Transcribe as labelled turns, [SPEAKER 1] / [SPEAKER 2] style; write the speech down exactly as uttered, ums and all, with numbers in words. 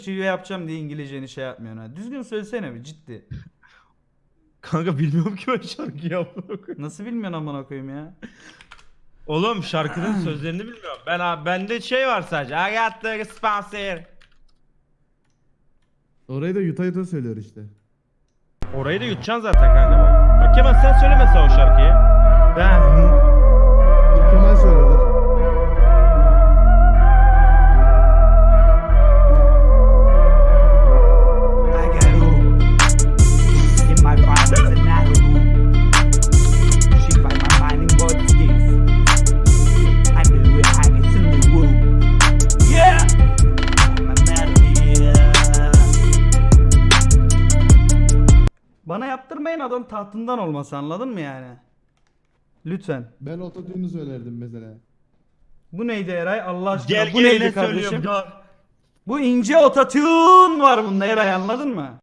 [SPEAKER 1] şive yapacağım diye İngilizceni şey yapmıyorsun ha. Düzgün söylesene bir ciddi.
[SPEAKER 2] Kanka bilmiyorum ki ben şarkıyı amına koyayım.
[SPEAKER 1] Nasıl bilmiyorsun amına koyayım ya?
[SPEAKER 2] Oğlum şarkının sözlerini bilmiyorum. Ben abi bende şey var sadece. I got the sponsor.
[SPEAKER 3] Orayı da yuta yuta söylüyor işte.
[SPEAKER 2] Orayı da yutacaksın zaten kanka bak. Bak Kemal sen söyle mesela o şarkıyı. Ben
[SPEAKER 3] Dur Kemal söylüyordur.
[SPEAKER 4] I got who in my problems and not who. She find my mind in what skills. I knew it, I get in the woo. Yeah, I'm a melody.
[SPEAKER 1] Bana yaptırmayın adam tahtından olması anladın mı yani? Lütfen.
[SPEAKER 3] Ben ototune'u söylerdim mesela.
[SPEAKER 1] Bu neydi Eray Allah aşkına?
[SPEAKER 2] gel
[SPEAKER 1] Bu
[SPEAKER 2] gel
[SPEAKER 1] neydi
[SPEAKER 2] ne
[SPEAKER 1] kardeşim?
[SPEAKER 2] söylüyorum ya.
[SPEAKER 1] Bu ince ototune var bunda Eray anladın mı?